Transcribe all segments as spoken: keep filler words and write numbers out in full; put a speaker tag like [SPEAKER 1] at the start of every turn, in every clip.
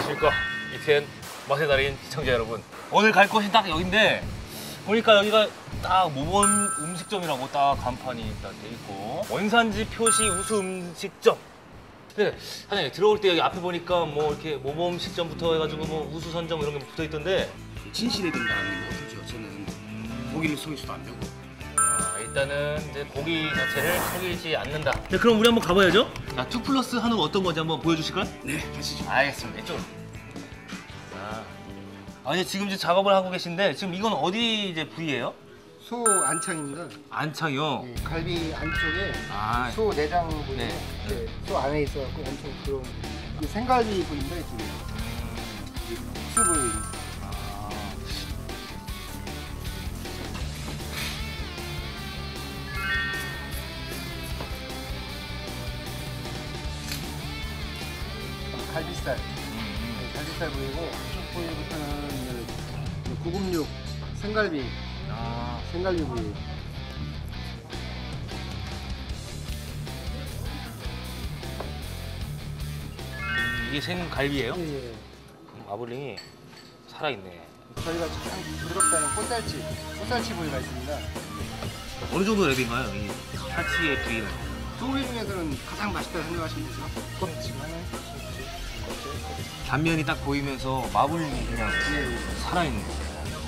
[SPEAKER 1] 안녕하십니까. 이티엔 맛의 달인 시청자 여러분. 오늘 갈 곳이 딱 여긴데 보니까 여기가 딱 모범 음식점이라고 딱 간판이 딱 돼 있고 원산지 표시 우수 음식점. 근데 사장님 들어올 때 여기 앞에 보니까 뭐 이렇게 모범 음식점부터 해가지고 뭐 우수 선점 이런 게 붙어 있던데
[SPEAKER 2] 진실에 된다는 거 어떻죠? 저는 고기를 속일 수도 안 되고.
[SPEAKER 1] 아, 일단은 이제 고기 자체를 속이지 않는다. 네, 그럼 우리 한번 가봐야죠. 아, 투 플러스 한우가 어떤 건지 한번 보여주실까요?
[SPEAKER 2] 네, 가시죠.
[SPEAKER 1] 알겠습니다. 이쪽으로. 아, 아니 지금 이제 작업을 하고 계신데 지금 이건 어디 이제 부위예요?
[SPEAKER 3] 소 안창입니다.
[SPEAKER 1] 안창이요.
[SPEAKER 3] 네, 갈비 안쪽에
[SPEAKER 1] 아,
[SPEAKER 3] 소 내장 부위,
[SPEAKER 1] 네.
[SPEAKER 3] 네. 소 안에 있어갖고 엄청 그런 이 생갈비 부위인데 이쪽에 수 부위.
[SPEAKER 1] 아.
[SPEAKER 3] 갈비살. 네, 갈비살 부위고 이쪽 부위부터는 이제 구급육 생갈비.
[SPEAKER 1] 아.
[SPEAKER 3] 생갈비 부위.
[SPEAKER 1] 이게 생갈비예요?
[SPEAKER 3] 예, 예.
[SPEAKER 1] 마블링이 살아있네.
[SPEAKER 3] 저희가 가장 부드럽다는 꽃살치, 꽃살치 부위가 있습니다.
[SPEAKER 1] 어느 정도 랩인가요? 이 살치의 부위는?
[SPEAKER 3] 소고기 중에서는 가장 맛있다고 생각하시면 되죠. 껍질만은
[SPEAKER 1] 단면이 딱 보이면서 마블링이 그냥
[SPEAKER 3] 예, 예.
[SPEAKER 1] 살아있네. 야,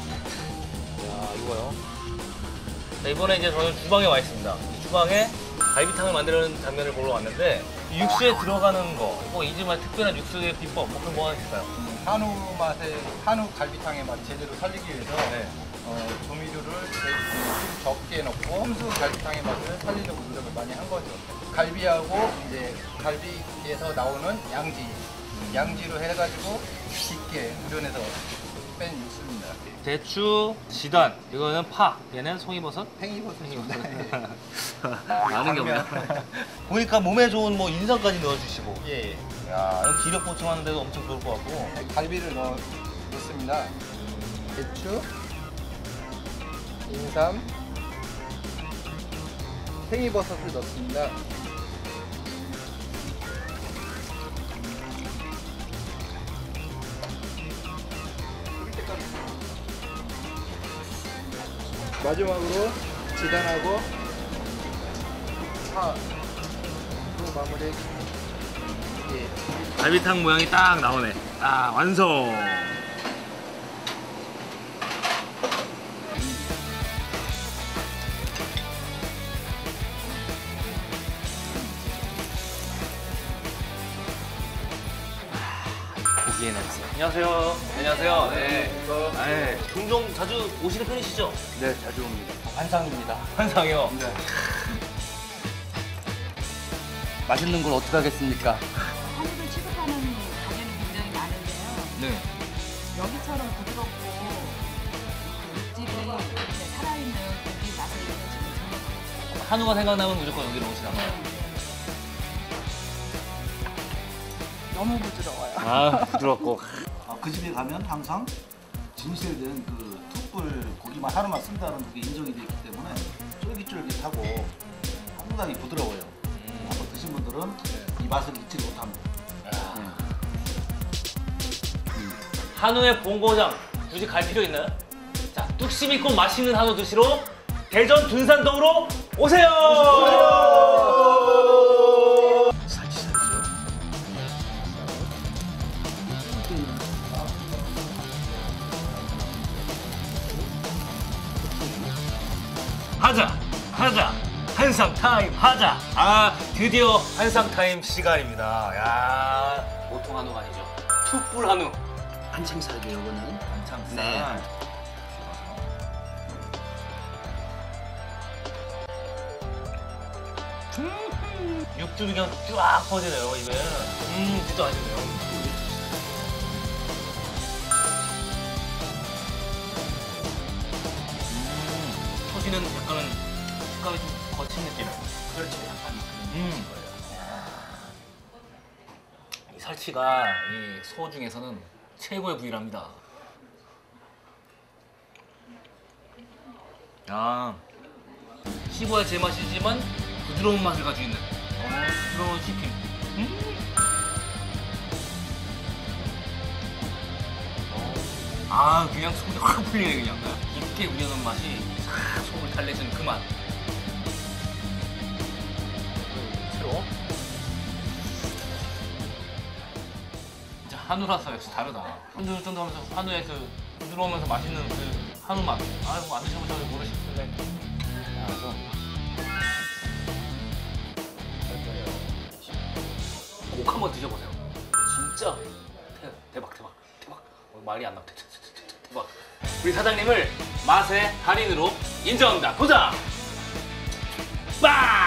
[SPEAKER 1] 이거요. 자, 이번에 이제 저는 주방에 와 있습니다. 이 주방에 갈비탕을 만드는 장면을 보러 왔는데 이 육수에 들어가는 거, 뭐 이지만 특별한 육수의 비법, 뭐 그런 거 하나 있을까요?
[SPEAKER 4] 한우 맛의 한우 갈비탕의 맛 제대로 살리기 위해서
[SPEAKER 1] 네.
[SPEAKER 4] 어, 조미료를 좀 적게 넣고 홈수 갈비탕의 맛을 살리려고 노력을 많이 한 거죠. 갈비하고 이제 갈비에서 나오는 양지, 양지로 해가지고 깊게 우려내서 뺀 육수입니다.
[SPEAKER 1] 대추, 지단, 이거는 파, 얘는 송이버섯?
[SPEAKER 4] 팽이버섯입니다.
[SPEAKER 1] 아는 게 없네. 보니까 몸에 좋은 뭐 인삼까지 넣어주시고.
[SPEAKER 4] 예,
[SPEAKER 1] 야, 이거 기력 보충하는 데도 엄청 좋을 것 같고.
[SPEAKER 4] 갈비를 넣어 넣습니다. 대추, 인삼, 팽이버섯을 넣습니다. 마지막으로 지단하고 파로 마무리. 예.
[SPEAKER 1] 갈비탕 모양이 딱 나오네. 딱 완성. 고기의 냄새. 안녕하세요. 안녕하세요. 네. 네. 종종 자주 오시는 편이시죠?
[SPEAKER 4] 네, 자주 옵니다. 환상입니다.
[SPEAKER 1] 환상이요.
[SPEAKER 4] 네.
[SPEAKER 2] 맛있는 걸 어떻게 하겠습니까?
[SPEAKER 5] 한우를 취급하는 가게는 굉장히 많은데요.
[SPEAKER 1] 네.
[SPEAKER 5] 여기처럼 부드럽고 육질이 이렇게 살아있는 고기 맛을 지금 전혀
[SPEAKER 1] 한우가 생각나면 무조건 여기로 오시나봐요.
[SPEAKER 5] 너무 부드러워요.
[SPEAKER 1] 아, 부드럽고.
[SPEAKER 2] 아, 그 집에 가면 항상 진실에 대한 그 툭불 고기만 하루만 쓴다는 그게 인정이 되어 있기 때문에 쫄깃쫄깃하고 상당히 부드러워요. 음. 한번 드신 분들은 이 맛을 잊지 못합니다. 네.
[SPEAKER 1] 한우의 본고장 굳이 갈 필요 있나요? 자, 뚝심 있고 맛있는 한우 드시러 대전 둔산동으로 오세요!
[SPEAKER 2] 살치살이죠.
[SPEAKER 1] 하자! 하자! 한상 타임 하자! 아, 드디어 한상 타임 시간입니다. 야, 보통 한우가 아니죠. 툭불 한우.
[SPEAKER 2] 한창살이에요, 이거는.
[SPEAKER 1] 한창살.
[SPEAKER 2] 네.
[SPEAKER 1] 음, 육즙이 그냥 쫙 퍼지네요, 입에. 음, 진짜 맛있네요. 음, 터지는 약간은 식감이 좀 거친 느낌.
[SPEAKER 2] 그렇죠, 약간.
[SPEAKER 1] 음. 이 살치가 이 소 중에서는 최고의 부위랍니다. 야, 씹어야 제맛이지만 부드러운 맛을 가지고 있는 어, 부드러운 씹힘. 음. 아 그냥 속이 확 풀리네 그냥. 깊게 우려놓은 맛이 싹 속을 달래주는 그 맛. 새로. 진짜 한우라서 역시 다르다. 쫀득쫀득하면서 한우의 그 부드러우면서 맛있는 그 한우 맛. 아이고 안 드셔보셔서 모르실 텐데. 그래서 꼭 한번 드셔보세요. 진짜 대- 대박 대박 대박. 어, 말이 안 나와. 대- 대- 대- 대- 대박. 우리 사장님을 맛의 달인으로 인정합니다. 도전! 빵!